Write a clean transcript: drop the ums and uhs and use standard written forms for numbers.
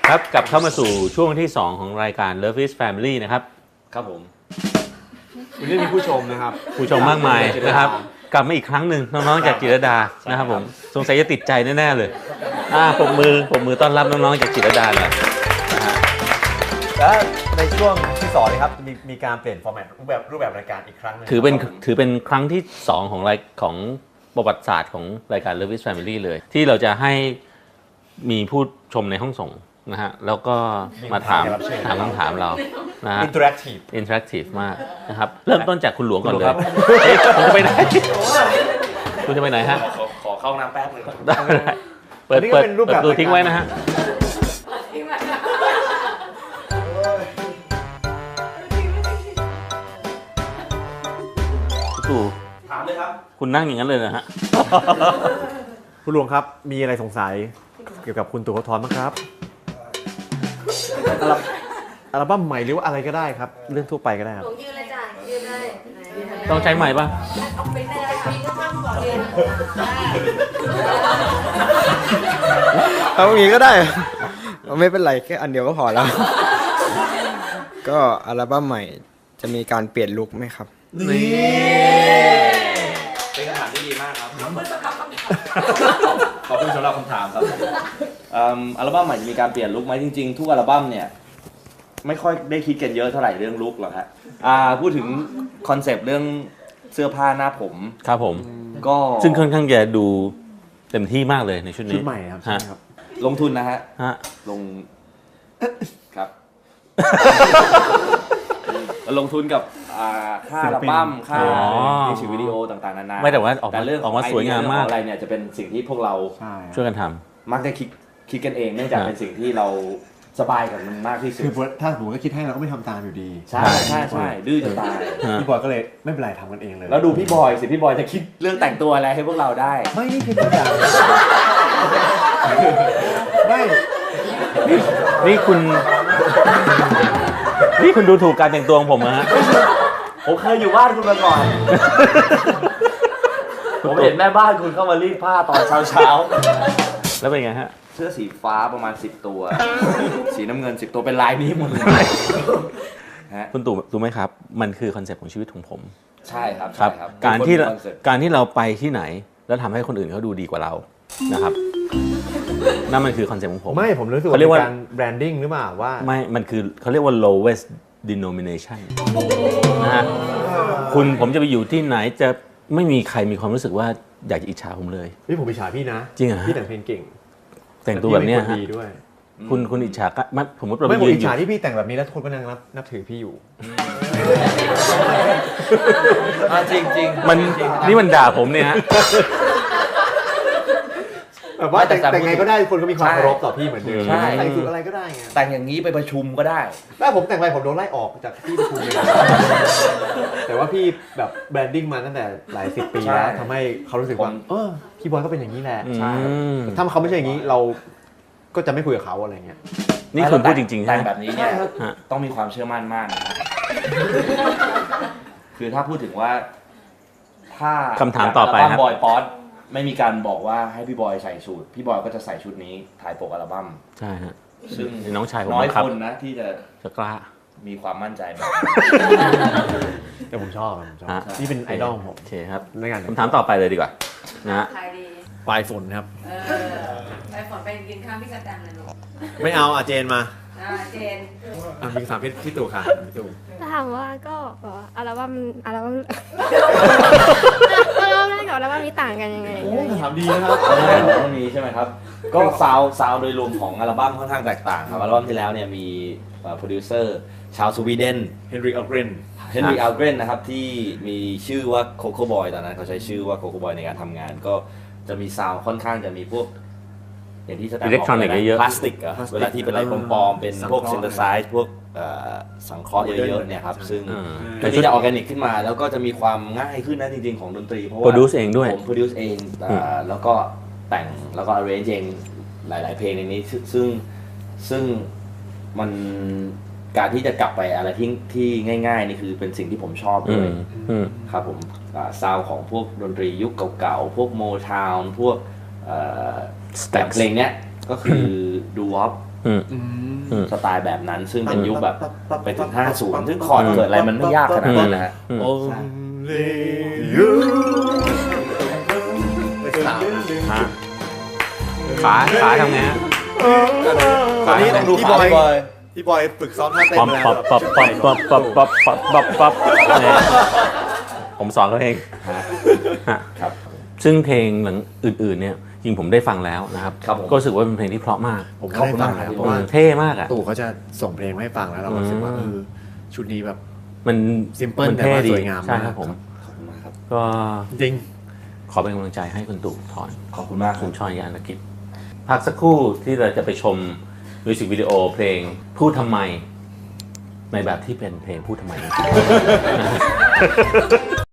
ครับกลับเข้ามาสู่ช่วงที่2ของรายการ Love is Family นะครับครับผมวันนี้มีผู้ชมนะครับผู้ชมมากมายนะครับกลับมาอีกครั้งหนึ่งน้องๆจากจิรดานะครับผมสงสัยจะติดใจแน่ๆเลยปรบมือต้อนรับน้องๆจากจิรดาเลยและในช่วงที่2นะครับมีการเปลี่ยนฟอร์แมตรูปแบบรายการอีกครั้งนึงถือเป็นครั้งที่2ของประวัติศาสตร์ของรายการ Love is Family เลยที่เราจะให้มีผู้ชมในห้องส่งนะฮะแล้วก็มาถามคำถามเรานะฮะ interactive มากนะครับเริ่มต้นจากคุณหลวงก่อนเลยผมจะไปไหนคุณจะไปไหนฮะขอเข้าน้ำแป๊บนึงได้เปิดประตูทิ้งไว้นะฮะตู่ถามเลยครับคุณนั่งอย่างนั้นเลยนะฮะคุณหลวงครับมีอะไรสงสัยเกี่ยวกับคุณตู่ ภพรบ้างครับอัลบั้มใหม่หรือว่าอะไรก็ได้ครับเรื่องทั่วไปก็ได้ครับยืนเลยจ้ะยืนเลยต้องใช้ใหม่ป่ะไม่ได้ค่ะมีก็ทำก่อนยืนเอาอย่างนี้ก็ได้ไม่เป็นไรแค่อันเดียวก็พอแล้วก็อัลบั้มใหม่จะมีการเปลี่ยนลุคไหมครับนี่เป็นคำถามที่ดีมากครับขอบคุณสำหรับคำถามครับอัลบั้มใหม่จะมีการเปลี่ยนลุคไหมจริงๆทุกอัลบั้มเนี่ยไม่ค่อยได้คิดกันเยอะเท่าไหร่เรื่องลุคหรอกฮะพูดถึงคอนเซปต์เรื่องเสื้อผ้าหน้าผมครับผมก็ซึ่งค่อนข้างจะดูเต็มที่มากเลยในชุดนี้ชุดใหม่ครับใช่ครับลงทุนนะฮะลงครับลงทุนกับค่าอัลบั้มค่ามิวสิกวิดีโอต่างๆนานาไม่แต่ว่าออกมาสวยงามมากอะไรเนี่ยจะเป็นสิ่งที่พวกเราช่วยกันทำมักจะคิดกันเองเนื่องจากเป็นสิ่งที่เราสบายกับมันมากที่สุดคือถ้าผมก็คิดให้เราก็ไม่ทำตามอยู่ดีใช่ดื้อจะตายพี่บอยก็เลยไม่เป็นไรทำกันเองเลยแล้วดูพี่บอยสิพี่บอยจะคิดเรื่องแต่งตัวอะไรให้พวกเราได้ไม่นี่คือตัวอย่างไม่นี่คุณดูถูกการแต่งตัวของผมนะฮะผมเคยอยู่บ้านคุณมาก่อนผมเห็นแม่บ้านคุณเข้ามารีดผ้าตอนเช้าแล้วเป็นไงฮะเสื้อสีฟ้าประมาณ10ตัวสีน้ำเงิน10ตัวเป็นลายนี้หมดเลยคุณตู่รู้ไหมครับมันคือคอนเซ็ปต์ของชีวิตของผมใช่ครับการที่เราไปที่ไหนแล้วทำให้คนอื่นเขาดูดีกว่าเรานะครับนั่นมันคือคอนเซ็ปต์ของผมไม่ผมรู้สึกว่าการแบรนดิ้งหรือเปล่าว่าไม่มันคือเขาเรียกว่า lowest denomination นะฮะผมจะไปอยู่ที่ไหนจะไม่มีใครมีความรู้สึกว่าอยากจะอิจฉาผมเลยพี่ผมอิจฉาพี่นะจริงเหรอพี่แต่งเพลงเก่งแต่งตัวแบบนี้ฮะคุณอิจฉาผมว่าไม่ผมอิจฉาที่พี่แต่งแบบนี้แล้วคนก็นั่งนับถือพี่อยู่จริงนี่มันด่าผมเนี่ยฮะแบบว่าแต่งไงก็ได้คนก็มีความเคารพต่อพี่เหมือนเดิมแต่งสุดอะไรก็ได้ไงแต่งอย่างนี้ไปประชุมก็ได้ถ้าผมแต่งไปผมโดนไล่ออกจากที่ประชุมเลยแต่ว่าพี่แบบแบรนดิ้งมาตั้งแต่หลาย10 ปีแล้วทำให้เขารู้สึกว่าพี่บอยก็เป็นอย่างนี้แหละถ้าเขาไม่ใช่อย่างนี้เราก็จะไม่คุยกับเขาอะไรเงี้ยนี่คุณพูดจริงๆแต่แบบนี้เนี่ยต้องมีความเชื่อมั่นมากนะครับคือถ้าพูดถึงว่าถ้าคำถามต่อไปครับบอยป๊อตไม่มีการบอกว่าให้พี่บอยใส่ชุดพี่บอยก็จะใส่ชุดนี้ถ่ายปกอัลบั้มใช่ฮะซึ่งน้องชายผมน้อยคนนะที่จะกล้ามีความมั่นใจแต่ผมชอบนี่เป็นไอดอลผมโอเคครับคำถามต่อไปเลยดีกว่านะปลายฝนครับปลายฝนไปกินข้าวพี่กระแตมเลยลูกไม่เอาเจนมาเจนมีคำถามพี่ตู่ค่ะพี่ตู่ถามว่าก็อัลบั้มแรกกับอัลบั้มนี้ต่างกันยังไงถามดีนะครับตรงนี้ใช่ไหมครับก็ซาวโดยรวมของอัลบั้มค่อนข้างแตกต่างครับอัลบั้มที่แล้วเนี่ยมีโปรดิวเซอร์ชาวสวีเดนเฮนริก อัลเกรนนะครับที่มีชื่อว่าโคโค่บอยตอนนั้นเขาใช้ชื่อว่าโคโค่บอยในการทำงานก็จะมีซาวค่อนข้างจะมีพวกอย่างที่สแตมป์บอกพลาสติกเวลาที่เป็นอะไรปลอมๆเป็นพวกซินเทไซซ์พวกสังเคราะห์เยอะๆเนี่ยครับซึ่งก็ที่จะออร์แกนิกขึ้นมาแล้วก็จะมีความง่ายขึ้นนะจริงๆของดนตรีเพราะว่า produce เองด้วยผม produce เองแล้วก็แต่งแล้วก็ arrange เองหลายๆเพลงในนี้ซึ่งมันการที่จะกลับไปอะไรที่ง่ายๆนี่คือเป็นสิ่งที่ผมชอบเลยครับผมซาวของพวกดนตรียุคเก่าๆพวกโมทาวน์พวกแต่เพลงเนี้ยก็คือดูวอปอืมสไตล์แบบนั้นซึ่งเป็นยุคแบบไปถึง 50 ซึ่งคอร์ดเกิดอะไรมันไม่ยากขนาดนั้นนะฮะขาทำไงฮะตอนนี้ต้องดูพี่ขาบอยพี่บอยฝึกซ้อมท่าเต้นปั๊บแล้วปั๊บปั๊บปั๊บปั๊บปั๊บปั๊บปั๊บปั๊บปั๊บเนี่ยผมสอนเขาเองฮะครับซึ่งเพลงหลังอื่นๆเนี่ยจริงผมได้ฟังแล้วนะครับครับผมก็รู้สึกว่าเป็นเพลงที่เพราะมากผมก็ได้ฟังแล้วเพราะว่าเท่มากอ่ะตู่เขาจะส่งเพลงมาให้ฟังแล้วเราก็รู้สึกว่าชุดนี้แบบมัน Simple มันแต่เท่ว่าดีสวยงามใช่มากครับผมขอบคุณมากครับก็จริงขอเป็นกำลังใจให้คุณตู่ถอนขอบคุณมากคคุรับณชอยยานกิจพักสักครู่ที่เราจะไปชมมิวสิกวิดีโอเพลงพูดทำไม ในแบบที่เป็นเพลงพูดทำไมจริงๆ